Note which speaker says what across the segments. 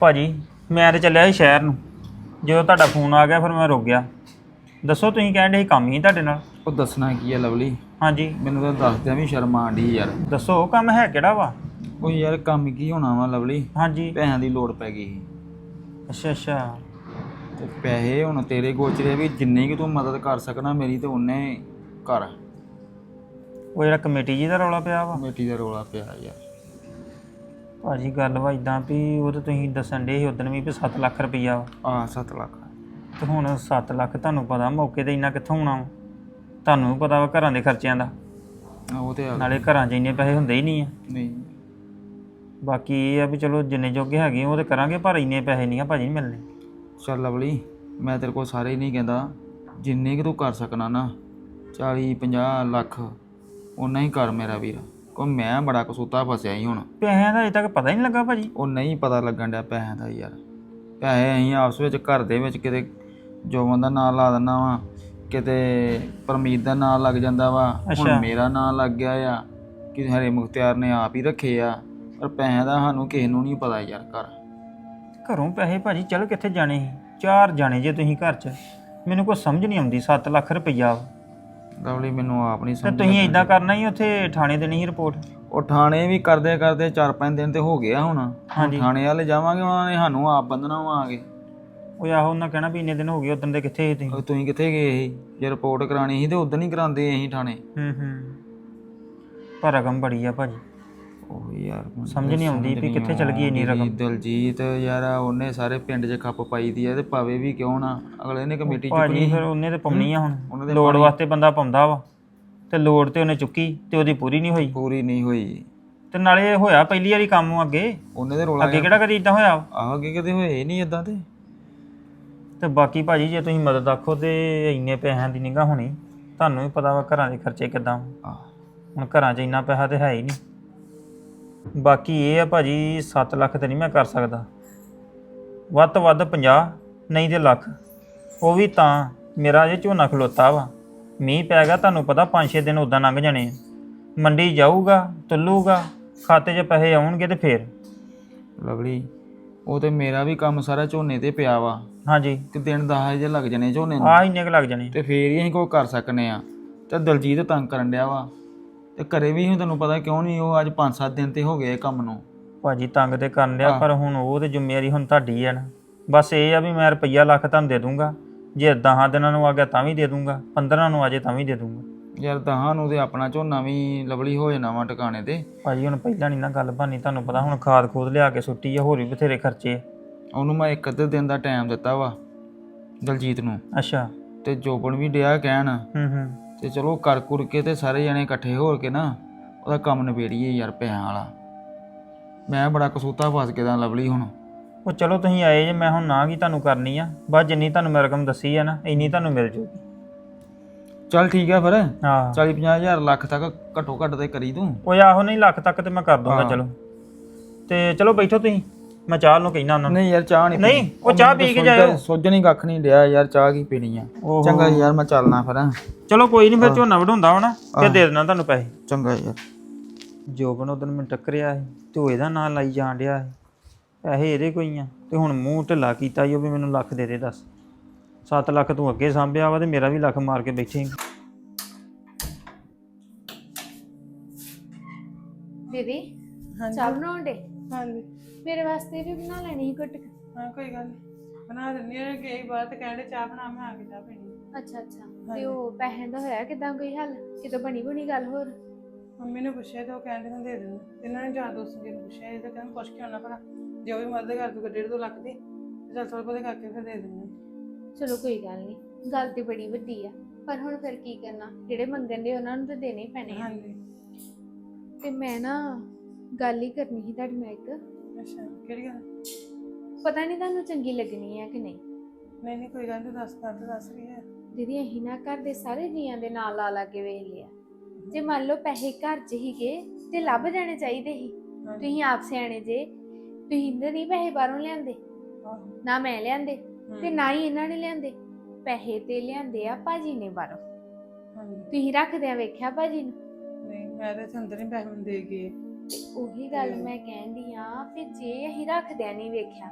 Speaker 1: ਭਾਜੀ ਮੈਂ ਤੇ ਚੱਲਿਆ ਸੀ ਸ਼ਹਿਰ ਨੂੰ। ਜਦੋਂ ਤੁਹਾਡਾ ਫੋਨ ਆ ਗਿਆ ਫਿਰ ਮੈਂ ਰੁਕ ਗਿਆ। ਦੱਸੋ ਤੁਸੀਂ ਕਹਿਣ ਡੇ ਸੀ ਕੰਮ ਹੀ ਤੁਹਾਡੇ ਨਾਲ।
Speaker 2: ਉਹ ਦੱਸਣਾ ਕੀ ਆ ਲਵਲੀ,
Speaker 1: ਹਾਂਜੀ
Speaker 2: ਮੈਨੂੰ ਤਾਂ ਦੱਸਦਿਆਂ ਵੀ ਸ਼ਰਮ ਆਂਦੀ ਯਾਰ।
Speaker 1: ਦੱਸੋ ਕੰਮ ਹੈ ਕਿਹੜਾ ਵਾ।
Speaker 2: ਉਹ ਯਾਰ ਕੰਮ ਕੀ ਹੋਣਾ ਵਾ ਲਵਲੀ,
Speaker 1: ਹਾਂਜੀ
Speaker 2: ਪੈਸਿਆਂ ਦੀ ਲੋੜ ਪੈ ਗਈ ਸੀ
Speaker 1: ਅੱਛਾ ਅੱਛਾ।
Speaker 2: ਤੇ ਪੈਸੇ ਹੁਣ ਤੇਰੇ ਗੋਚਰੇ ਵੀ ਜਿੰਨੀ ਕਿ ਤੂੰ ਮਦਦ ਕਰ ਸਕਣਾ ਮੇਰੀ ਤੇ ਉਹਨੇ ਕਰ।
Speaker 1: ਉਹ ਜਿਹੜਾ ਕਮੇਟੀ ਜੀ ਦਾ ਰੌਲਾ ਪਿਆ ਵਾ।
Speaker 2: ਕਮੇਟੀ ਦਾ ਰੌਲਾ ਪਿਆ ਯਾਰ।
Speaker 1: ਭਾਜੀ ਗੱਲ ਵਾ ਇਦਾਂ ਵੀ ਉਹ ਤਾਂ ਤੁਸੀਂ ਦੱਸਣ ਡੇ ਸੀ ਉਦੋਂ ਵੀ 7 ਲੱਖ ਰੁਪਈਆ ਵਾ।
Speaker 2: 7 ਲੱਖ।
Speaker 1: ਤੇ ਹੁਣ 7 ਲੱਖ ਤੁਹਾਨੂੰ ਪਤਾ ਮੌਕੇ ਤੇ ਇੰਨਾ ਕਿੱਥੋਂ ਆਉਣਾ ਵਾ। ਤੁਹਾਨੂੰ ਵੀ ਪਤਾ ਵਾ ਘਰਾਂ ਦੇ ਖਰਚਿਆਂ ਦਾ।
Speaker 2: ਉਹ ਤੇ
Speaker 1: ਨਾਲੇ ਘਰਾਂ 'ਚ ਇੰਨੇ ਪੈਸੇ ਹੁੰਦੇ ਹੀ ਨਹੀਂ ਆ।
Speaker 2: ਨਹੀਂ
Speaker 1: ਬਾਕੀ ਇਹ ਆ ਵੀ ਚਲੋ ਜਿੰਨੇ ਜੋਗੇ ਹੈਗੇ ਉਹ ਤੇ ਕਰਾਂਗੇ, ਪਰ ਇੰਨੇ ਪੈਸੇ ਨਹੀਂ ਆ ਭਾਜੀ ਮਿਲਣੇ।
Speaker 2: ਚੱਲ ਲਵਲੀ, ਮੈਂ ਤੇਰੇ ਕੋਲ ਸਾਰੇ ਹੀ ਨਹੀਂ ਕਹਿੰਦਾ, ਜਿੰਨੇ ਕਿ ਤੂੰ ਕਰ ਸਕਣਾ ਨਾ 40-50 ਲੱਖ ਓਨਾ ਹੀ ਕਰ ਮੇਰਾ ਵੀਰ। ਕੋ ਮੈਂ ਬੜਾ ਕਸੂਤਾ ਫਸਿਆ ਹੀ ਹੁਣ।
Speaker 1: ਪੈਸਿਆਂ ਦਾ ਅਜੇ ਤੱਕ ਪਤਾ ਹੀ ਨਹੀਂ ਲੱਗਾ ਭਾਜੀ।
Speaker 2: ਉਹ ਨਹੀਂ ਪਤਾ ਲੱਗਣ ਡਿਆ ਪੈਸਿਆਂ ਦਾ ਯਾਰ। ਪੈਸੇ ਅਸੀਂ ਆਪਸ ਵਿੱਚ ਘਰ ਦੇ ਵਿੱਚ ਕਿਤੇ ਜੋਬਨ ਦਾ ਨਾਂ ਲਾ ਦਿੰਦਾ ਵਾ, ਕਿਤੇ ਪਰਮੀਤ ਦਾ ਨਾਂ ਲੱਗ ਜਾਂਦਾ ਵਾ, ਹੁਣ ਮੇਰਾ ਨਾਂ ਲੱਗ ਗਿਆ ਆ ਕਿ ਹਰੇ ਮੁਖਤਿਆਰ ਨੇ ਆਪ ਹੀ ਰੱਖੇ ਆ। ਪਰ ਪੈਸਿਆਂ ਦਾ ਸਾਨੂੰ ਕਿਸੇ ਨੂੰ ਨਹੀਂ ਪਤਾ ਯਾਰ।
Speaker 1: ਘਰੋਂ ਪੈਸੇ ਭਾਜੀ ਚਲ ਕਿੱਥੇ ਜਾਣੇ ਸੀ। 4 ਜਾਣੇ ਜੇ ਤੁਸੀਂ ਘਰ 'ਚ, ਮੈਨੂੰ ਕੋਈ ਸਮਝ ਨਹੀਂ ਆਉਂਦੀ। 7 ਲੱਖ ਰੁਪਈਆ
Speaker 2: ਲਵਲੀ ਮੈਨੂੰ ਆਪ ਨਹੀਂ
Speaker 1: ਤੇ
Speaker 2: ਸਮਝ।
Speaker 1: ਤੁਸੀਂ ਇਦਾਂ ਕਰਨਾ ਹੀ ਉੱਥੇ ਥਾਣੇ ਦੇਣੀ ਸੀ ਰਿਪੋਰਟ।
Speaker 2: ਉਹ ਥਾਣੇ ਵੀ ਕਰਦੇ ਕਰਦੇ 4-5 ਦਿਨ ਤੇ ਹੋ ਗਿਆ ਹੁਣ।
Speaker 1: ਹਾਂਜੀ
Speaker 2: ਥਾਣੇ ਵਾਲੇ ਜਾਵਾਂਗੇ, ਉਹਨਾਂ ਨੇ ਸਾਨੂੰ ਆਪ ਬੰਦਨਾ ਵਾ ਆ ਕੇ।
Speaker 1: ਉਹ ਆਹੋ ਉਹਨਾਂ ਕਹਿਣਾ ਵੀ ਇੰਨੇ ਦਿਨ ਹੋ ਗਏ, ਉਦੋਂ ਦੇ ਕਿੱਥੇ ਸੀ ਤੁਸੀਂ।
Speaker 2: ਤੁਸੀਂ ਕਿੱਥੇ ਗਏ ਸੀ? ਜੇ ਰਿਪੋਰਟ ਕਰਾਣੀ ਸੀ ਤੇ ਉਦੋਂ ਹੀ ਕਰਾਉਂਦੇ ਅਸੀਂ ਥਾਣੇ।
Speaker 1: ਪਰ ਰਕਮ ਬੜੀ ਆ ਭਾਜੀ।
Speaker 2: ਉਹ ਯਾਰ
Speaker 1: ਸਮਝ ਨਹੀਂ ਆਉਂਦੀ ਵੀ ਕਿੱਥੇ ਚਲ ਗਈ ਇੰਨੀ ਰਕਮ।
Speaker 2: ਦਲਜੀਤ ਯਾਰ ਉਹਨੇ ਸਾਰੇ ਪਿੰਡ 'ਚ ਖੱਪ ਪਾਈ ਦੀ ਆ ਤੇ ਪਾਵੇ ਵੀ ਕਿਉਂ ਨਾ, ਅਗਲੇ ਨੇ ਕਮੇਟੀ
Speaker 1: ਭਾਜੀ
Speaker 2: ਚੁੱਕਣੀ।
Speaker 1: ਫਿਰ ਉਹਨੇ ਤੇ ਪਾਉਣੀ ਆ ਹੁਣ। ਲੋੜ ਵਾਸਤੇ ਬੰਦਾ ਪਾਉਂਦਾ ਵਾ ਤੇ ਲੋੜ ਤੇ ਉਹਨੇ ਚੁੱਕੀ ਤੇ ਉਹਦੀ ਪੂਰੀ ਨਹੀਂ ਹੋਈ। ਤੇ ਨਾਲੇ ਹੋਇਆ ਪਹਿਲੀ ਵਾਰੀ ਕੰਮ ਅੱਗੇ
Speaker 2: ਉਹਨੇ ਤੇ ਰੋਲਾ
Speaker 1: ਅੱਗੇ ਕਿਹੜਾ ਕਦੀ ਇਦਾਂ ਹੋਇਆ।
Speaker 2: ਆਹ ਅੱਗੇ ਕਦੇ ਹੋਏ ਨਹੀਂ ਇਦਾਂ
Speaker 1: ਤੇ ਬਾਕੀ ਭਾਜੀ ਜੇ ਤੁਸੀਂ ਮਦਦ ਆਖੋ ਤੇ ਇੰਨੇ ਪੈਸਿਆਂ ਦੀ ਨਿਗਾਹ ਹੋਣੀ। ਤੁਹਾਨੂੰ ਵੀ ਪਤਾ ਵਾ ਘਰਾਂ ਦੇ ਖਰਚੇ ਕਿੱਦਾਂ। ਹੁਣ ਘਰਾਂ 'ਚ ਇੰਨਾ ਪੈਸਾ ਤੇ ਹੈ ਹੀ ਨਹੀਂ। ਬਾਕੀ ਇਹ ਆ ਭਾਜੀ 7 ਲੱਖ ਤੇ ਨਹੀਂ ਮੈਂ ਕਰ ਸਕਦਾ, ਵੱਧ ਤੋਂ ਵੱਧ 50 ਨਹੀਂ ਤੇ ਲੱਖ। ਉਹ ਵੀ ਤਾਂ ਮੇਰਾ ਅਜੇ ਝੋਨਾ ਖਲੋਤਾ ਵਾ, ਮੀਂਹ ਪੈ ਗਿਆ, ਤੁਹਾਨੂੰ ਪਤਾ 5-6 ਦਿਨ ਉੱਦਾਂ ਲੰਘ ਜਾਣੇ ਆ। ਮੰਡੀ ਜਾਊਗਾ, ਤੁੱਲੂਗਾ, ਖਾਤੇ 'ਚ ਪੈਸੇ ਆਉਣਗੇ ਤੇ ਫੇਰ।
Speaker 2: ਲਵਲੀ ਉਹ ਤੇ ਮੇਰਾ ਵੀ ਕੰਮ ਸਾਰਾ ਝੋਨੇ ਤੇ ਪਿਆ ਵਾ।
Speaker 1: ਹਾਂਜੀ
Speaker 2: ਤੇ ਦਿਨ 10 ਜੇ ਲੱਗ ਜਾਣੇ ਝੋਨੇ ਨੂੰ।
Speaker 1: ਇੰਨੇ ਕੁ ਲੱਗ ਜਾਣੇ
Speaker 2: ਤੇ ਫੇਰ ਹੀ ਅਸੀਂ ਕੋਈ ਕਰ ਸਕਨੇ ਆ। ਤੇ ਦਲਜੀਤ ਤੰਗ ਕਰਨ ਡਿਆ ਵਾ ਤੇ ਘਰੇ ਵੀ ਹੁਣ ਤੁਹਾਨੂੰ ਪਤਾ ਕਿਉਂ ਨਹੀਂ, ਉਹ ਅੱਜ 5-7 ਦਿਨ ਤੇ ਹੋ ਗਏ ਕੰਮ ਨੂੰ।
Speaker 1: ਭਾਜੀ ਤੰਗ ਤੇ ਕਰਨ ਡਿਆ, ਪਰ ਹੁਣ ਉਹ ਤੇ ਜ਼ਿੰਮੇਵਾਰੀ ਹੁਣ ਤੁਹਾਡੀ ਹੈ ਨਾ। ਬਸ ਇਹ ਆ ਵੀ ਮੈਂ ਰੁਪਈਆ ਲੱਖ ਤੁਹਾਨੂੰ ਦੇ ਦੂੰਗਾ, ਜੇ 10 ਦਿਨਾਂ ਨੂੰ ਆ ਗਿਆ ਤਾਂ ਵੀ ਦੇ ਦੂੰਗਾ, 15 ਨੂੰ ਆ ਜੇ ਤਾਂ ਵੀ ਦੇ ਦੂੰਗਾ।
Speaker 2: ਯਾਰ 10 ਨੂੰ ਤੇ ਆਪਣਾ ਝੋਨਾ ਵੀ ਲਵਲੀ ਹੋ ਜਾਣਾ ਵਾ ਟਿਕਾਣੇ ਤੇ।
Speaker 1: ਭਾਜੀ ਹੁਣ ਪਹਿਲਾਂ ਨਹੀਂ ਨਾ ਗੱਲ ਬਣਨੀ, ਤੁਹਾਨੂੰ ਪਤਾ ਹੁਣ ਖਾਦ ਖੂਦ ਲਿਆ ਕੇ ਸੁੱਟੀ ਆ, ਹੋਰ ਵੀ ਬਥੇਰੇ ਖਰਚੇ ਆ।
Speaker 2: ਉਹਨੂੰ ਮੈਂ 1 ਅੱਧੇ ਦਿਨ ਦਾ ਟਾਈਮ ਦਿੱਤਾ ਵਾ ਦਲਜੀਤ ਨੂੰ।
Speaker 1: ਅੱਛਾ
Speaker 2: ਤੇ ਜੋਬਨ ਵੀ ਡਿਆ ਕਹਿਣ ਤੇ ਚਲੋ ਕਰ ਕੁਰ ਕੇ ਤੇ ਸਾਰੇ ਜਣੇ ਇਕੱਠੇ ਹੋ ਕੇ ਨਾ ਉਹਦਾ ਕੰਮ ਨਿਬੇੜੀਏ ਯਾਰ ਪੈਸਿਆਂ ਵਾਲਾ। ਮੈਂ ਬੜਾ ਕਸੂਤਾ ਫਸ ਗਿਆ ਲਵਲੀ ਹੁਣ। ਉਹ
Speaker 1: ਚਲੋ ਤੁਸੀਂ ਆਏ ਜੇ, ਮੈਂ ਹੁਣ ਨਾ ਕੀ ਤੁਹਾਨੂੰ ਕਰਨੀ ਆ, ਬਸ ਜਿੰਨੀ ਤੁਹਾਨੂੰ ਮੈਂ ਰਕਮ ਦੱਸੀ ਆ ਨਾ ਇੰਨੀ ਤੁਹਾਨੂੰ ਮਿਲ ਜੂਗੀ।
Speaker 2: ਚੱਲ ਠੀਕ ਆ ਫਿਰ।
Speaker 1: ਹਾਂ
Speaker 2: 40-50 ਹਜ਼ਾਰ ਲੱਖ ਤੱਕ ਘੱਟੋ ਘੱਟ ਤੇ ਕਰੀ ਤੂੰ।
Speaker 1: ਉਹ ਆਹੋ ਨਹੀਂ ਲੱਖ ਤੱਕ ਤੇ ਮੈਂ ਕਰ ਦੂੰਗਾ। ਚਲੋ ਤੇ ਚਲੋ ਬੈਠੋ ਤੁਸੀਂ, ਮੈਂ ਚਾਹ ਨੂੰ ਕਹਿਣਾ ਉਹਨਾਂ ਨੂੰ।
Speaker 2: ਨਹੀਂ ਯਾਰ ਚਾਹ
Speaker 1: ਨਹੀਂ ਉਹ ਚਾਹ ਪੀ ਕੇ ਜਾਇਓ।
Speaker 2: ਸੋਝਣੀ ਕੱਖ ਨਹੀਂ ਡਿਆ ਯਾਰ, ਚਾਹ ਕੀ ਪੀਣੀ ਆ। ਚੰਗਾ ਯਾਰ ਮੈਂ ਚੱਲਣਾ ਫਿਰ।
Speaker 1: ਚਲੋ ਕੋਈ ਨਹੀਂ, ਫਿਰ ਝੋਨਾ ਵਢਾਉਂਦਾ ਹੋਣਾ ਤੇ ਦੇ ਦੇਣਾ ਤੁਹਾਨੂੰ ਪੈਸੇ।
Speaker 2: ਚੰਗਾ ਯਾਰ।
Speaker 1: ਜੋਬਨ ਉਦੋਂ ਮੈਨੂੰ ਟੱਕਰਿਆ ਸੀ ਤੇ ਉਹ ਇਹਦਾ ਨਾਂ ਲਾਈ ਜਾਣ ਡਿਆ ਸੀ, ਪੈਸੇ ਇਹਦੇ ਕੋਈ ਆ। ਤੇ ਹੁਣ ਮੂੰਹ ਢਿੱਲਾ ਕੀਤਾ ਈ ਉਹ ਵੀ ਮੈਨੂੰ ਲੱਖ ਦੇ ਦੇ। ਦੱਸ 7 ਲੱਖ ਤੂੰ ਅੱਗੇ ਸਾਂਭਿਆ ਵਾ ਤੇ ਮੇਰਾ ਵੀ ਲੱਖ ਮਾਰ ਕੇ ਬੈਠੇ।
Speaker 3: ਦੀਦੀ ਚਾਹ ਬਣਾਉਣ ਡੇ?
Speaker 4: ਹਾਂਜੀ
Speaker 3: ਮੇਰੇ ਵਾਸਤੇ ਵੀ ਬਣਾ ਲੈਣੀ ਸੀ ਘੁੱਟ।
Speaker 4: ਹਾਂ ਕੋਈ ਗੱਲ ਨਹੀਂ, ਬਣਾ ਦਿੰਦੀ ਹਾਂ। ਗਈ ਬਾਹਰ ਤੇ ਕਹਿੰਦੇ ਚਾਹ ਬਣਾ, ਮੈਂ ਆ ਕੇ ਚਾਹ ਪੀਣੀ।
Speaker 3: ਅੱਛਾ ਅੱਛਾ। ਤੇ ਉਹ ਪੈਸਿਆਂ ਦਾ ਹੋਇਆ ਕਿਦਾਂ ਕੋਈ ਹੱਲ? ਕਿਤੋਂ ਬਣੀ ਗੱਲ ਹੋਰ?
Speaker 4: ਮੰਮੀ ਨੇ ਪੁੱਛਿਆ ਤੇ ਉਹ ਕਹਿੰਦੇ ਨੇ ਦੇ ਦੇਣਾ। ਇਹਨਾਂ ਨੇ ਜਾਂ ਦੋਸਤ ਜੀ ਨੂੰ ਪੁੱਛਿਆ, ਇਹ ਤਾਂ ਕਹਿੰਦੇ ਪੁੱਛ ਕੇ ਆਉਣਾ ਭਲਾ ਜੇ ਉਹ ਵੀ ਮਦਦ ਕਰ ਦੂਗਾ 1.5-2 ਲੱਖ ਦੀ ਤੇ ਚੱਲ ਥੋੜ੍ਹਾ ਬਹੁਤਾ ਕਰਕੇ ਫਿਰ ਦੇ ਦਿੰਦੇ।
Speaker 3: ਚਲੋ ਕੋਈ ਗੱਲ ਨਹੀਂ, ਗੱਲ ਤੇ ਬੜੀ ਵੱਡੀ ਆ, ਪਰ ਹੁਣ ਫਿਰ ਕੀ ਕਰਨਾ, ਜਿਹੜੇ ਮੰਗਣ ਦੇ ਉਹਨਾਂ ਨੂੰ ਤਾਂ ਦੇਣੇ ਹੀ ਪੈਣੇ ਆ।
Speaker 4: ਹਾਂਜੀ
Speaker 3: ਤੇ ਮੈਂ ਨਾ ਗੱਲ ਹੀ ਕਰਨੀ ਸੀ ਤੁਹਾਡੇ ਨਾਲ ਇੱਕ।
Speaker 4: ਅੱਛਾ ਕਿਹੜੀ ਗੱਲ?
Speaker 3: ਪਤਾ ਨਹੀਂ ਤੁਹਾਨੂੰ ਚੰਗੀ ਲੱਗਣੀ ਹੈ ਕਿ ਨਹੀਂ।
Speaker 4: ਨਹੀਂ ਕੋਈ ਗੱਲ ਨਹੀਂ, ਦੱਸ ਰਹੀ ਹੈ।
Speaker 3: ਦੀਦੀ ਅਸੀਂ ਨਾ ਘਰ ਦੇ ਸਾਰੇ ਜੀਆਂ ਦੇ ਨਾਲ ਲਾ ਕੇ ਵੇਖ ਲਿਆ, ਜੇ ਮੰਨ ਲਓ ਪੈਸੇ ਘਰ 'ਚ ਹੀਗੇ ਤੇ ਲੱਭ ਜਾਣੇ ਚਾਹੀਦੇ ਸੀ। ਤੁਸੀਂ ਆਪ ਸਿਆਣੇ ਜੇ, ਤੁਸੀਂ ਤਾਂ ਨਹੀਂ ਪੈਸੇ ਬਾਹਰੋਂ ਲਿਆਂਦੇ, ਨਾ ਮੈਂ ਲਿਆਂਦੇ ਤੇ ਨਾ ਹੀ ਇਹਨਾਂ ਨੇ ਲਿਆਂਦੇ। ਪੈਸੇ ਤੇ ਲਿਆਂਦੇ ਆ ਭਾਜੀ ਨੇ ਬਾਹਰੋਂ। ਤੁਸੀਂ ਰੱਖਦਿਆਂ ਵੇਖਿਆ ਭਾਜੀ ਨੂੰ?
Speaker 4: ਨਹੀਂ ਮੈਂ ਤੇ ਅੰਦਰ ਹੀ ਪੈਸੇ ਦੇ ਗਏ।
Speaker 3: ਉਹੀ ਗੱਲ ਮੈਂ ਕਹਿੰਦੀ ਆ, ਫਿਰ ਜੇ ਅਸੀਂ ਰੱਖਦਿਆਂ ਨਹੀਂ ਵੇਖਿਆ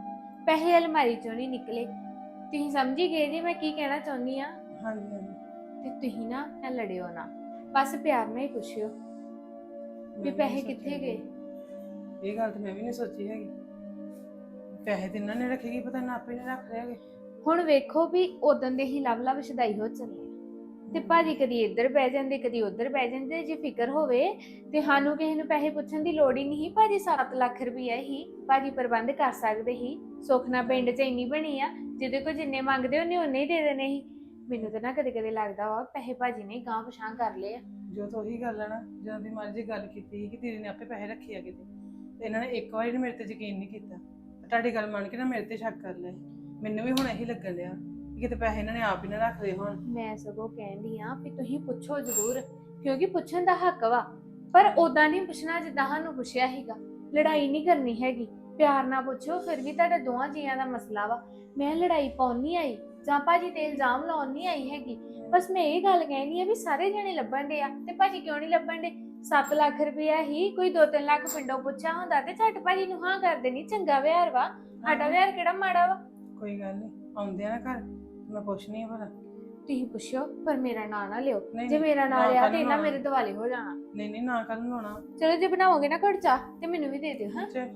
Speaker 3: ਪੈਸੇ ਅਲਮਾਰੀ ਚੋਂ ਨਹੀਂ ਨਿਕਲੇ। ਤੁਸੀਂ ਸਮਝੀ ਗਏ ਜੀ ਮੈਂ ਕੀ ਕਹਿਣਾ ਚਾਹੁੰਦੀ ਆ।
Speaker 4: ਹਾਂਜੀ ਹਾਂਜੀ
Speaker 3: ਤੇ ਤੁਸੀਂ ਨਾ ਲੜਿਓ ਨਾ, ਬਸ ਪਿਆਰ ਨਾਲ ਹੀ ਪੁੱਛਿਓ
Speaker 4: ਮੈਂ
Speaker 3: ਵੀ
Speaker 4: ਵੀ
Speaker 3: ਪੈਸੇ
Speaker 4: ਨਹੀਂ
Speaker 3: ਕਿੱਥੇ
Speaker 4: ਸੋਚਿਆ
Speaker 3: ਗਏ।
Speaker 4: ਇਹ ਗੱਲ ਤਾਂ ਮੈਂ ਵੀ ਨਹੀਂ ਸੋਚੀ ਹੈਗੀ। ਪੈਸੇ ਤੇ ਇਹਨਾਂ ਨੇ ਰੱਖੇਗੀ, ਪਤਾ ਨਾ ਆਪੇ ਨੇ ਰੱਖ ਲਿਆਗੇ।
Speaker 3: ਹੁਣ ਵੇਖੋ ਵੀ ਉਦੋਂ ਦੇ ਹੀ ਲਵ ਛਦਾਈ ਹੋ ਚੱਲੇ ਆ। ਤੇ ਭਾਜੀ ਕਦੀ ਇੱਧਰ ਬਹਿ ਜਾਂਦੇ ਕਦੀ ਉੱਧਰ ਬਹਿ ਜਾਂਦੇ। ਜੇ ਫਿਕਰ ਹੋਵੇ ਤੇ ਸਾਨੂੰ ਕਿਸੇ ਨੂੰ ਪੈਸੇ ਪੁੱਛਣ ਦੀ ਲੋੜ ਹੀ ਨਹੀਂ। ਭਾਜੀ 7 ਲੱਖ ਰੁਪਈਆ ਹੀ ਭਾਜੀ ਪ੍ਰਬੰਧ ਕਰ ਸਕਦੇ ਹੀ। ਸੁਖਨਾ ਪਿੰਡ 'ਚ ਇੰਨੀ ਬਣੀ ਆ, ਜਿਹਦੇ ਕੋਲ ਜਿੰਨੇ ਮੰਗਦੇ ਉਹਨੇ ਉਨੇ ਹੀ ਦੇ ਦੇਣੇ ਸੀ। ਮੈਨੂੰ ਤਾਂ ਨਾ ਕਦੇ ਕਦੇ ਲੱਗਦਾ ਵਾ ਪੈਸੇ ਭਾਜੀ ਨੇ ਗਾਂਹ ਪਛਾਂ ਕਰ ਲਏ ਆ।
Speaker 4: ਜੋ ਤਾਂ ਉਹੀ ਗੱਲ ਹੈ ਨਾ, ਜਦੋਂ ਦੀ ਮਰਜ਼ੀ ਗੱਲ ਕੀਤੀ ਸੀ ਕਿ ਦੀਦੀ ਨੇ ਆਪੇ ਪੈਸੇ ਰੱਖੇ ਆ ਕਿਤੇ, ਤੇ ਇਹਨਾਂ ਨੇ ਇੱਕ ਵਾਰੀ ਮੇਰੇ ਤੇ ਯਕੀਨ ਨਹੀਂ ਕੀਤਾ ਤੇ ਤੁਹਾਡੀ ਗੱਲ ਮੰਨ ਕੇ ਨਾ ਮੇਰੇ ਤੇ ਸ਼ੱਕ ਕਰ ਲਿਆ। ਮੈਨੂੰ ਵੀ ਹੁਣ ਇਹੀ ਲੱਗਣ ਡਿਆ ਕਿ ਕਿਤੇ ਪੈਸੇ ਇਹਨਾਂ ਨੇ ਆਪ ਹੀ ਨਾ ਰੱਖ ਲਏ ਹੋਣ।
Speaker 3: ਮੈਂ ਸਗੋਂ ਕਹਿੰਦੀ ਆ ਵੀ ਤੁਸੀਂ ਪੁੱਛੋ ਜ਼ਰੂਰ, ਕਿਉਂਕਿ ਪੁੱਛਣ ਦਾ ਹੱਕ ਵਾ, ਪਰ ਉਦਾਂ ਨਹੀਂ ਪੁੱਛਣਾ ਜਿੱਦਾਂ ਸਾਨੂੰ ਪੁੱਛਿਆ ਸੀਗਾ। ਲੜਾਈ ਨਹੀਂ ਕਰਨੀ ਹੈਗੀ, ਪਿਆਰ ਨਾਲ ਪੁੱਛੋ। ਫਿਰ ਵੀ ਤੁਹਾਡੇ ਦੋਵਾਂ ਜੀਆਂ ਦਾ ਮਸਲਾ ਵਾ। ਮੈਂ ਲੜਾਈ ਪਾਉਣ ਨਹੀਂ ਆਈ ਜਾਂ ਭਾਜੀ ਤੇ ਇਲਜ਼ਾਮ ਲਾਉਣ ਨਹੀਂ ਆਈ ਹੈਗੀ। ਬਸ ਮੈਂ ਇਹ ਗੱਲ ਕਹਿਣੀ ਆ ਵੀ ਸਾਰੇ ਜਣੇ ਲੱਭਣ ਦੇ ਆ ਤੇ ਭਾਜੀ ਕਿਉਂ ਨਹੀਂ ਲੱਭਣ ਦੇ। 7 ਲੱਖ ਰੁਪਇਆ ਹੀ ਕੋਈ 2-3 ਲੱਖ ਪਿੰਡੋਂ ਪੁੱਛਿਆ ਹੁੰਦਾ ਤੇ ਝੱਟ ਭਾਜੀ ਨੂੰ ਹਾਂ ਕਰ ਦੇਣੀ। ਚੰਗਾ ਵਿਹਾਰ ਵਾ ਸਾਡਾ, ਵਿਹਾਰ ਕਿਹੜਾ ਮਾੜਾ ਵਾ।
Speaker 4: ਕੋਈ ਗੱਲ ਨਹੀਂ, ਆਉਂਦੇ ਆ ਨਾ ਘਰ ਮੈਂ ਪੁੱਛਣੀ ਆ ਭਲਾ।
Speaker 3: ਤੁਸੀਂ ਪੁੱਛਿਓ ਪਰ ਮੇਰਾ ਨਾਂ ਨਾ ਲਿਓ।
Speaker 4: ਨਹੀਂ,
Speaker 3: ਜੇ ਮੇਰਾ ਨਾਂ
Speaker 4: ਨਾ
Speaker 3: ਲਿਆ
Speaker 4: ਕੱਲ੍ਹ
Speaker 3: ਤੇ ਇਹਨਾਂ
Speaker 4: ਨੂੰ
Speaker 3: ਮੇਰੇ ਦਿਵਾਲੇ ਹੋ ਜਾਣਾ।
Speaker 4: ਨਹੀਂ ਨਹੀਂ, ਨਾ ਕੱਲ ਨੂੰ ਆਉਣਾ।
Speaker 3: ਚਲੋ ਜੇ ਬਣਾਓਗੇ ਨਾ ਘੜ ਚਾਹ ਤੇ ਮੈਨੂੰ ਵੀ ਦੇ ਦਿਓ। ਹਾਂ
Speaker 4: ਅੱਛਾ,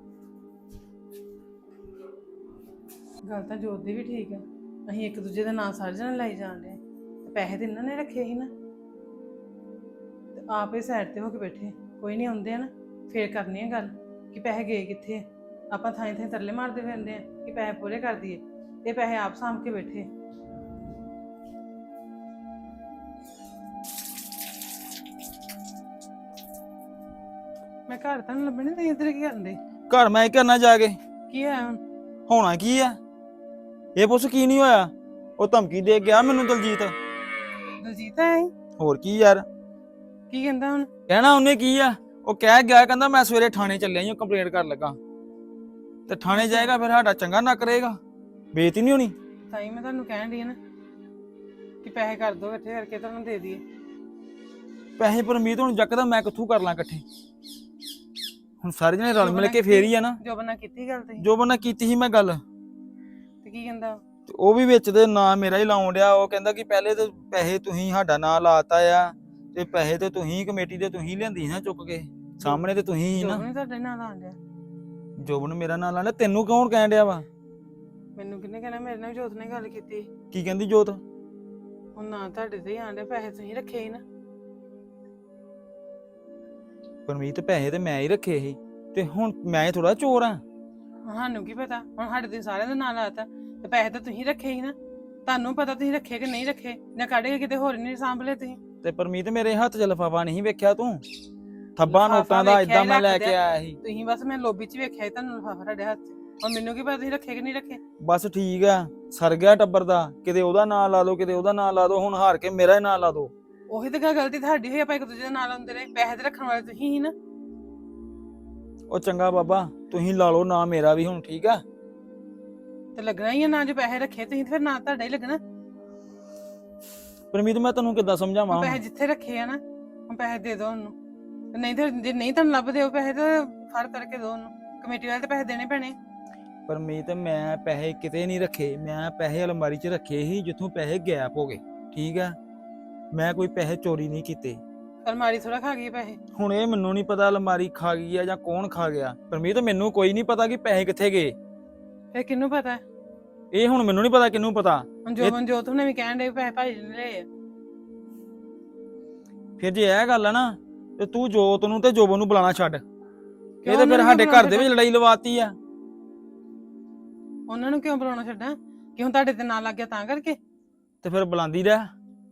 Speaker 4: ਗੱਲ ਤਾਂ ਜੋਤ ਦੀ ਵੀ ਠੀਕ ਆ। ਅਸੀਂ ਇੱਕ ਦੂਜੇ ਦਾ ਨਾਂ ਸਾਰੇ ਜਣੇ ਲਾਈ ਜਾਂਦੇ ਆ ਤੇ ਪੈਸੇ ਤੇ ਇਹਨਾਂ ਨੇ ਰੱਖੇ ਸੀ ਨਾ, ਤੇ ਆਪੇ ਸਾਈਡ ਤੇ ਹੋ ਕੇ ਬੈਠੇ। ਕੋਈ ਨਹੀਂ, ਆਉਂਦੇ ਆ ਨਾ ਫੇਰ ਕਰਨੀ ਆ ਗੱਲ ਕਿ ਪੈਸੇ ਗਏ ਕਿੱਥੇ। ਆਪਾਂ ਥਾਂ ਥਾਂ ਤਰਲੇ ਮਾਰਦੇ ਫਿਰਦੇ ਆ ਕਿ ਪੈਸੇ ਪੂਰੇ ਕਰ ਦਈਏ, ਤੇ ਪੈਸੇ ਆਪ ਸਾਂਭ ਕੇ ਬੈਠੇ। ਮੈਂ ਘਰ ਤਾਂ ਨੀ ਲੱਭਣੇ, ਤੇ ਇੱਧਰ ਕੀ ਕਰਨ ਦੇ?
Speaker 2: ਘਰ ਮੈਂ ਕਰਨਾ ਜਾ ਕੇ,
Speaker 4: ਕੀ ਹੋਇਆ ਹੁਣ?
Speaker 2: ਹੋਣਾ ਕੀ ਆ? ਇਹ ਪੁੱਛ ਕੀ ਨਹੀਂ ਹੋਇਆ? ਉਹ ਧਮਕੀ ਦੇ ਗਿਆ ਮੈਨੂੰ ਦਲਜੀਤ।
Speaker 4: ਦਲਜੀਤ ਆਇਆ ਸੀ?
Speaker 2: ਹੋਰ ਕੀ ਯਾਰ
Speaker 4: ਕੀ ਕਹਿੰਦਾ ਹੁਣ?
Speaker 2: ਕਹਿਣਾ ਉਹਨੇ ਕੀ ਆ? ਉਹ ਕਹਿ ਗਿਆ, ਕਹਿੰਦਾ ਮੈਂ ਸਵੇਰੇ ਥਾਣੇ ਚੱਲਿਆ ਜੀ, ਕੰਪਲੇਂਟ ਕਰਨ ਲੱਗਾ। ਤੇ ਥਾਣੇ ਜਾਏਗਾ ਫਿਰ ਸਾਡਾ ਚੰਗਾ ਨਾ ਕਰੇਗਾ, ਬੇਇੱਜ਼ਤੀ ਨਹੀਂ ਹੋਣੀ।
Speaker 4: ਤਾਂ ਹੀ ਮੈਂ ਤੁਹਾਨੂੰ ਕਹਿਣ ਡਈ ਆ ਨਾ ਕਿ ਪੈਸੇ ਕਰ ਦੋ ਇਕੱਠੇ ਕਰਕੇ ਤੁਹਾਨੂੰ ਦੇ ਦਈਏ।
Speaker 2: ਪੈਸੇ ਪਰਮੀਤ ਹੁਣ ਜੱਕਦਾ ਮੈਂ ਕਿੱਥੋਂ ਕਰ ਲਾਂ ਇਕੱਠੇ? ਹੁਣ ਸਾਰੇ ਜਣੇ ਰਲ ਮਿਲ ਕੇ ਫੇਰ ਹੀ ਆ ਨਾ।
Speaker 4: ਜੋ ਬਣਾ ਕੀਤੀ ਗੱਲ ਤੇ
Speaker 2: ਜੋ ਬੰਨਾ ਕੀਤੀ ਸੀ ਮੈਂ ਗੱਲ,
Speaker 4: ਤੇ ਕੀ ਕਹਿੰਦਾ?
Speaker 2: ਤੇ ਉਹ ਵੀ ਵਿੱਚ ਦੇ ਨਾਂ ਮੇਰਾ ਹੀ ਲਾਉਣ ਡਿਆ। ਉਹ ਕਹਿੰਦਾ ਕਿ ਪਹਿਲੇ ਤੇ ਪੈਸੇ ਤੁਸੀਂ ਸਾਡਾ ਨਾਂ ਲਾਤਾ ਆ, ਤੇ ਪੈਸੇ ਤੇ ਤੁਸੀਂ ਕਮੇਟੀ ਦੇ ਤੁਸੀਂ ਲਿਆਂਦੀ ਨਾ ਚੁੱਕ ਕੇ, ਸਾਹਮਣੇ ਤੇ ਤੁਸੀਂ ਹੀ
Speaker 4: ਜੋ
Speaker 2: ਨਾ।
Speaker 4: ਨਹੀਂ ਤੁਹਾਡੇ ਨਾਲ ਆਣ ਡਿਆ।
Speaker 2: ਜੋਬਨ ਮੇਰਾ ਨਾਂ ਲਾਣਾ, ਤੈਨੂੰ ਕੌਣ ਕਹਿਣ ਡਿਆ ਵਾ?
Speaker 4: ਮੈਨੂੰ ਕਿਹਨੇ ਕਹਿਣਾ? ਮੇਰੇ ਨਾਲ ਵੀ ਜੋਤ ਨੇ ਗੱਲ ਕੀਤੀ।
Speaker 2: ਕੀ ਕਹਿੰਦੀ ਜੋਤ?
Speaker 4: ਹੁਣ ਨਾ ਤੁਹਾਡੇ ਤੇ ਹੀ ਆਣ ਡਿਆ, ਪੈਸੇ ਤੁਸੀਂ ਰੱਖੇ ਸੀ ਨਾ।
Speaker 2: ਪਰਮੀਤ ਪੈਸੇ ਤੇ ਮੈਂ ਹੀ ਰੱਖੇ ਸੀ, ਤੇ ਹੁਣ ਮੈਂ ਥੋੜਾ ਚੋਰ ਆ।
Speaker 4: ਸਾਨੂੰ ਕੀ ਪਤਾ? ਹੁਣ ਸਾਡੇ ਤੇ ਸਾਰਿਆਂ ਦਾ ਨਾਂ ਲਾਤਾ, ਤੇ ਪੈਸੇ ਤਾਂ ਤੁਸੀਂ ਰੱਖੇ ਸੀ ਨਾ। ਤੁਹਾਨੂੰ ਪਤਾ ਤੁਸੀਂ ਰੱਖੇ ਕਿ ਨਹੀਂ ਰੱਖੇ, ਜਾਂ ਕੱਢ ਕੇ ਕਿਤੇ ਹੋਰ ਨਹੀਂ ਸਾਂਭ ਲਏ ਤੁਸੀਂ।
Speaker 2: ਤੇ ਪਰਮੀਤ ਮੇਰੇ ਹੱਥ 'ਚ ਲਿਫਾਫਾ ਨਹੀਂ ਵੇਖਿਆ ਤੂੰ? ਥੱਬਾ
Speaker 4: ਲਿਫਾਫਾ
Speaker 2: ਨੋਟਾਂ ਦਾ
Speaker 4: ਵੇਖਿਆ
Speaker 2: ਇਦਾਂ
Speaker 4: ਹੀ
Speaker 2: ਮੈਂ ਲੈ
Speaker 4: ਰੱਖਦੇ
Speaker 2: ਕੇ
Speaker 4: ਆ।
Speaker 2: ਆਇਆ ਸੀ।
Speaker 4: ਤੁਸੀਂ ਬਸ ਮੈਂ ਲੋਬੀ 'ਚ ਵੇਖਿਆ ਸੀ ਤੁਹਾਨੂੰ ਲਿਫਾਫਾ ਤੁਹਾਡੇ ਹੱਥ 'ਚ। ਹੁਣ ਮੈਨੂੰ ਕੀ ਪਤਾ ਤੁਸੀਂ ਰੱਖੇ ਕਿ ਨਹੀਂ ਰੱਖੇ।
Speaker 2: ਬਸ ਠੀਕ ਆ, ਸਰ ਗਿਆ ਟੱਬਰ ਦਾ। ਕਿਤੇ ਉਹਦਾ ਨਾਂ ਲਾ ਦੋ, ਕਿਤੇ ਉਹਦਾ ਨਾਂ ਲਾ ਦੋ, ਹੁਣ ਹਾਰ ਕੇ ਮੇਰਾ ਹੀ ਨਾਂ ਲਾ ਦੋ।
Speaker 4: ਉਹੀ ਤਾਂ ਗਲਤੀ ਤੁਹਾਡੀ ਹੋਈ, ਆਪਾਂ ਇੱਕ ਦੂਜੇ ਦੇ ਨਾਲ ਆਉਂਦੇ ਰਹੇ। ਪੈਸੇ ਤੇ ਰੱਖਣ ਵਾਲੇ ਤੁਸੀਂ ਹੀ ਨਾ।
Speaker 2: ਉਹ ਚੰਗਾ ਬਾਬਾ, ਤੁਸੀਂ ਲਾ ਲਓ ਨਾਂ ਮੇਰਾ ਵੀ ਹੁਣ, ਠੀਕ ਆ?
Speaker 4: ਤੇ ਲੱਗਣਾ ਹੀ ਆ ਨਾ, ਜੇ ਪੈਸੇ ਰੱਖੇ ਤੁਸੀਂ ਤੇ ਫਿਰ ਨਾਂ ਤੁਹਾਡਾ ਹੀ ਲੱਗਣਾ।
Speaker 2: ਪਰਮੀਤ ਮੈਂ ਤੈਨੂੰ ਕਿੱਦਾਂ ਸਮਝਾਵਾਂ?
Speaker 4: ਪੈਸੇ ਜਿੱਥੇ ਰੱਖੇ ਆ ਨਾ, ਹੁਣ ਪੈਸੇ ਦੇ ਦਿਓ ਉਹਨੂੰ। ਤੇ ਨਹੀਂ ਤੇ ਜੇ ਨਹੀਂ ਤੁਹਾਨੂੰ ਲੱਭਦੇ ਉਹ ਪੈਸੇ ਤਾਂ ਫੜ ਕਰਕੇ ਦਿਓ ਉਹਨੂੰ। ਕਮੇਟੀ ਵਾਲੇ ਤੇ ਪੈਸੇ ਦੇਣੇ ਪੈਣੇ।
Speaker 2: ਪਰਮੀਤ ਮੈਂ ਪੈਸੇ ਕਿਤੇ ਨਹੀਂ ਰੱਖੇ, ਮੈਂ ਪੈਸੇ ਅਲਮਾਰੀ 'ਚ ਰੱਖੇ ਸੀ ਜਿੱਥੋਂ ਪੈਸੇ ਗਾਇਬ ਹੋ ਗਏ, ਠੀਕ ਆ? ਮੈਂ ਕੋਈ ਪੈਸੇ ਚੋਰੀ ਨਹੀਂ ਕੀਤੇ।
Speaker 4: ਅਲਮਾਰੀ ਥੋੜਾ ਖਾ ਗਈ ਪੈਸੇ।
Speaker 2: ਹੁਣ ਇਹ ਮੈਨੂੰ ਨਹੀਂ ਪਤਾ ਅਲਮਾਰੀ ਖਾ ਗਈ ਆ ਜਾਂ ਕੌਣ ਖਾ ਗਿਆ। ਪਰਮੀਤ ਮੈਨੂੰ ਕੋਈ ਨਹੀਂ ਪਤਾ ਕਿ ਪੈਸੇ ਕਿੱਥੇ ਗਏ।
Speaker 4: ਫਿਰ ਕਿਹਨੂੰ ਪਤਾ?
Speaker 2: ਇਹ ਹੁਣ ਮੈਨੂੰ ਨਹੀਂ ਪਤਾ, ਕਿਹਨੂੰ ਪਤਾ?
Speaker 4: ਹੁਣ ਜੋਤ ਨੇ ਵੀ ਕਹਿਣ ਦੇ ਪੈਸੇ ਭਾਈ ਨੇ ਲਏ ਆ।
Speaker 2: ਫਿਰ ਜੇ ਇਹ ਗੱਲ ਆ ਨਾ, ਤੇ ਤੂੰ ਜੋਤ ਨੂੰ ਤੇ ਜੋਬਨ ਨੂੰ ਬੁਲਾਣਾ ਛੱਡ। ਇਹ ਤੇ ਫਿਰ ਸਾਡੇ ਘਰ ਦੇ ਵਿੱਚ ਲੜਾਈ ਲਵਾਤੀ ਆ।
Speaker 4: ਉਹਨਾਂ ਨੂੰ ਕਿਉਂ ਬੁਲਾਉਣਾ ਛੱਡਾਂ? ਕਿਉਂ ਤੁਹਾਡੇ ਤੇ ਨਾਂ ਲੱਗ ਗਿਆ ਤਾਂ ਕਰਕੇ?
Speaker 2: ਤੇ ਫਿਰ ਬੁਲਾਉਂਦੀ ਰਹਿ,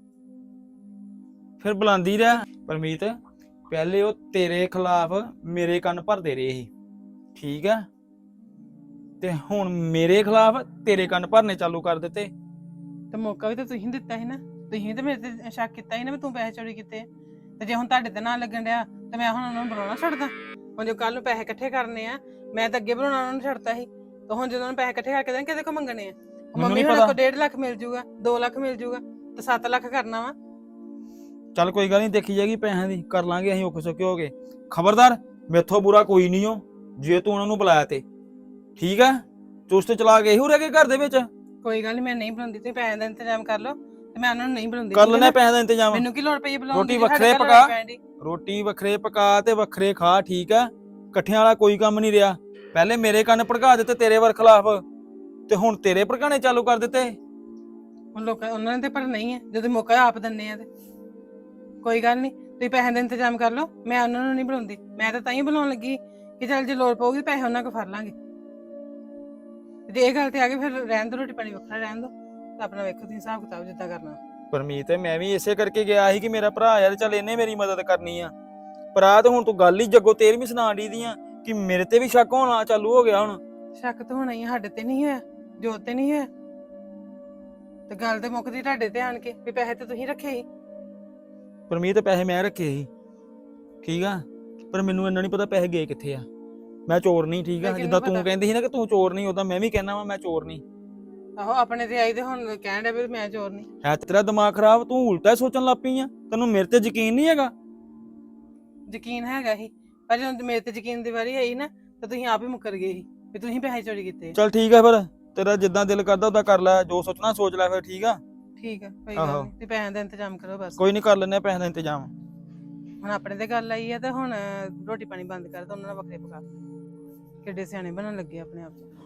Speaker 2: ਫਿਰ ਬੁਲਾਉਂਦੀ ਰਹਿ। ਪਰਮੀਤ ਪਹਿਲੇ ਉਹ ਤੇਰੇ ਖਿਲਾਫ ਮੇਰੇ ਕੰਨ ਭਰਦੇ ਰਹੇ ਸੀ, ਠੀਕ ਆ? ਤੇ ਹੁਣ ਮੇਰੇ ਖਿਲਾਫ ਤੇਰੇ ਕੰਨ ਭਰਨੇ ਚਾਲੂ ਕਰ ਦਿੱਤੇ।
Speaker 4: ਤੇ ਮੌਕਾ ਵੀ ਤਾਂ ਤੁਸੀਂ ਦਿੱਤਾ ਸੀ ਨਾ। ਤੁਸੀਂ ਤੇ ਮੇਰੇ ਤੇ ਸ਼ੱਕ ਕੀਤਾ ਸੀ ਨਾ ਵੀ ਤੂੰ ਪੈਸੇ ਚੋਰੀ ਕੀਤੇ। ਤੇ ਜੇ ਹੁਣ ਤੁਹਾਡੇ ਤੇ ਨਾਂ ਲੱਗਣ ਡਿਆ ਤੇ ਮੈਂ ਹੁਣ ਉਹਨਾਂ ਨੂੰ ਬੁਲਾਉਣਾ ਛੱਡਦਾ? ਹੁਣ ਜੋ ਕੱਲ ਨੂੰ ਪੈਸੇ ਇਕੱਠੇ ਕਰਨੇ ਆ, ਮੈਂ ਤਾਂ ਅੱਗੇ ਬੁਲਾਉਣਾ ਉਹਨਾਂ ਨੂੰ ਛੱਡਤਾ ਸੀ। ਤੇ ਹੁਣ ਜਦੋਂ ਉਹਨਾਂ ਪੈਸੇ ਇਕੱਠੇ ਕਰਕੇ ਦੇਣ, ਕਿਹਦੇ ਕੋਲ ਮੰਗਣੇ ਆ? ਮੰਮੀ ਹੁਣ ਕੋਲ 1.5 ਲੱਖ ਮਿਲ ਜੂਗਾ, 2 ਲੱਖ ਮਿਲ ਜੂਗਾ, ਤੇ 7 ਲੱਖ ਕਰਨਾ ਵਾ।
Speaker 2: ਚੱਲ ਕੋਈ ਗੱਲ ਨਹੀਂ, ਦੇਖੀ ਜਾਏਗੀ ਪੈਸਿਆਂ ਦੀ, ਕਰ ਲਾਂਗੇ ਅਸੀਂ ਔਖੇ ਸੌਖੇ ਹੋ ਗਏ। ਖਬਰਦਾਰ, ਮੇਥੋਂ ਬੁਰਾ ਕੋਈ ਨਹੀਂ ਹੋ ਜੇ ਤੂੰ ਉਹਨਾਂ ਨੂੰ ਬੁਲਾਇਆ ਤੇ, ਠੀਕ ਆ? ਚੁਸਤ ਚਲਾ ਕੇ ਇਹੋ ਰਹਿ ਗਏ ਘਰ ਦੇ ਵਿੱਚ।
Speaker 4: ਕੋਈ ਗੱਲ ਨਹੀਂ, ਮੈਂ ਨਹੀਂ ਬਣਾਉਂਦੀ, ਤੁਸੀਂ ਪੈਸੇ ਦਾ ਇੰਤਜ਼ਾਮ ਕਰ ਲਓ ਤੇ ਮੈਂ ਉਹਨਾਂ ਨੂੰ ਨਹੀਂ ਬਣਾਉਂਦੀ।
Speaker 2: ਕਰ ਲੈਣਾ ਪੈਸੇ ਦਾ ਇੰਤਜ਼ਾਮ।
Speaker 4: ਮੈਨੂੰ ਕੀ ਲੋੜ ਪਈ ਬੁਲਾਉਣ
Speaker 2: ਰੋਟੀ
Speaker 4: ਦੀ,
Speaker 2: ਵੱਖਰੇ
Speaker 4: ਸਾਡੇ ਘਰ
Speaker 2: ਪਕਾ।
Speaker 4: ਪੈਣ ਦੀ।
Speaker 2: ਰੋਟੀ ਵੱਖਰੇ ਪਕਾ ਤੇ ਵੱਖਰੇ ਖਾ, ਠੀਕ ਆ? ਇਕੱਠਿਆਂ ਵਾਲਾ ਕੋਈ ਕੰਮ ਨਹੀਂ ਰਿਹਾ। ਪਹਿਲੇ ਮੇਰੇ ਕੰਨ ਭੜਕਾ ਦਿੱਤੇ ਤੇਰੇ ਵਰ ਖਿਲਾਫ, ਤੇ ਹੁਣ ਤੇਰੇ ਭੜਕਾਣੇ ਚਾਲੂ ਕਰ ਦਿੱਤੇ।
Speaker 4: ਹੁਣ ਲੋਕਾਂ ਉਹਨਾਂ ਨੇ ਤੇ ਪਰ ਨਹੀਂ ਹੈ, ਜਦੋਂ ਮੌਕਾ ਆਪ ਦਿੰਨੇ ਆ ਤੇ ਕੋਈ ਗੱਲ ਨਹੀਂ, ਤੁਸੀਂ ਪੈਸੇ ਦਾ ਇੰਤਜ਼ਾਮ ਕਰ ਲਓ, ਮੈਂ ਉਹਨਾਂ ਨੂੰ ਨਹੀਂ ਬੁਲਾਉਂਦੀ। ਮੈਂ ਤਾਂ ਹੀ ਬੁਲਾਉਣ ਲੱਗੀ ਕਿ ਚੱਲ ਜੇ ਲੋੜ ਪਊਗੀ ਪੈਸੇ ਉਹਨਾਂ ਕੋਲ ਫੜ ਲਾਂਗੇ। ਜੇ ਇਹ ਗੱਲ ਤੇ ਆ ਗਈ ਫਿਰ ਰਹਿਣ ਦੋ, ਰੋਟੀ ਪਾਣੀ ਵੱਖਰਾ ਰਹਿਣ ਦੋ, ਤਾਂ ਆਪਣਾ ਵੇਖੋ ਤੁਸੀਂ ਹਿਸਾਬ ਕਿਤਾਬ ਜਿੱਦਾਂ ਕਰਨਾ।
Speaker 2: ਪਰਮੀਤ ਮੈਂ ਵੀ ਇਸੇ ਕਰਕੇ ਗਿਆ ਸੀ ਕਿ ਮੇਰਾ ਭਰਾ ਯਾਰ ਚੱਲ ਇਹਨੇ ਮੇਰੀ ਮਦਦ ਕਰਨੀ ਆ। ਪਰ ਆ ਤੇ ਹੁਣ ਤੂੰ ਗੱਲ ਹੀ ਜੱਗੋ 13ਵੀਂ ਸੁਣਾ ਦੀ ਦੀਆਂ ਕਿ ਮੇਰੇ ਤੇ ਵੀ ਸ਼ੱਕ ਹੋਣਾ ਚਾਲੂ ਹੋ ਗਿਆ। ਹੁਣ
Speaker 4: ਸ਼ੱਕ ਤਾਂ ਹੋਣਾ ਹੀ, ਸਾਡੇ ਤੇ ਨਹੀਂ ਹੋਇਆ, ਜੋਤ ਤੇ ਨਹੀਂ ਹੋਇਆ, ਤੇ ਗੱਲ ਤੇ ਮੁੱਕਦੀ ਤੁਹਾਡੇ ਤੇ ਆਣ ਕੇ ਵੀ ਪੈਸੇ ਤੇ ਤੁਸੀਂ ਰੱਖੇ ਸੀ।
Speaker 2: ਪਰਮੀਤ ਪੈਸੇ ਮੈਂ ਰੱਖੇ ਸੀ, ਠੀਕ ਆ, ਪਰ ਮੈਨੂੰ ਇੰਨਾ ਨਹੀਂ ਪਤਾ ਪੈਸੇ ਗਏ ਕਿੱਥੇ ਆ। ਮੈਂ ਚੋਰ ਨਹੀਂ, ਠੀਕ ਆ?
Speaker 4: ਮੈਂ
Speaker 2: ਜਿੱਦਾਂ
Speaker 4: ਕਿਹਨੂੰ
Speaker 2: ਤੂੰ ਕਹਿੰਦੀ ਸੀ ਨਾ ਕਿ ਤੂੰ ਚੋਰ ਨਹੀਂ, ਉਦਾਂ ਮੈਂ ਵੀ ਕਹਿਣਾ ਵਾ ਮੈਂ ਚੋਰ ਨਹੀਂ।
Speaker 4: ਆਹੋ ਆਪਣੇ ਤੇ ਆਈ ਤੇ ਹੁਣ ਕਹਿਣ ਡਿਆ ਵੀ ਮੈਂ ਚੋਰ ਨਹੀਂ।
Speaker 2: ਹੈ ਤੇਰਾ ਦਿਮਾਗ ਖਰਾਬ, ਤੂੰ ਉਲਟਾ ਸੋਚਣ ਲੱਗ ਪਈ ਆ। ਤੈਨੂੰ ਮੇਰੇ ਤੇ ਯਕੀਨ ਨਹੀਂ ਹੈਗਾ?
Speaker 4: ਯਕੀਨ ਹੈਗਾ ਹੀ, ਪਰ ਜਦੋਂ ਮੇਰੇ ਤੇ ਯਕੀਨ ਦੀ ਵਾਰੀ ਆਈ ਨਾ ਤਾਂ ਤੁਸੀਂ ਆਪ ਹੀ ਮੁੱਕਰ ਗਏ ਸੀ ਵੀ ਤੁਸੀਂ ਪੈਸੇ ਚੋਰੀ ਕੀਤੇ।
Speaker 2: ਚੱਲ ਠੀਕ ਆ, ਫਿਰ ਤੇਰਾ ਜਿੱਦਾਂ ਦਿਲ ਕਰਦਾ ਉਦਾਂ ਕਰ ਲੈ, ਜੋ ਸੋਚਣਾ ਸੋਚ ਲੈ ਫਿਰ, ਠੀਕ ਆ?
Speaker 4: ਠੀਕ ਆ, ਕੋਈ ਗੱਲ ਨਹੀਂ, ਤੇ ਪੈਸਿਆਂ ਦਾ ਇੰਤਜ਼ਾਮ ਕਰੋ ਬਸ।
Speaker 2: ਕੋਈ ਨਹੀਂ, ਕਰ ਲੈਨੇ ਪੈਸੇ ਦਾ ਇੰਤਜ਼ਾਮ।
Speaker 4: ਹੁਣ ਆਪਣੇ ਤੇ ਗੱਲ ਆਈ ਆ ਤੇ ਹੁਣ ਰੋਟੀ ਪਾਣੀ ਬੰਦ ਕਰ ਦੋ, ਉਹਨਾਂ ਨਾਲ ਵੱਖਰੇ ਪਕਾ। ਕਿੱਡੇ ਸਿਆਣੇ ਬਣਨ ਲੱਗੇ ਆਪਣੇ ਆਪ 'ਚ।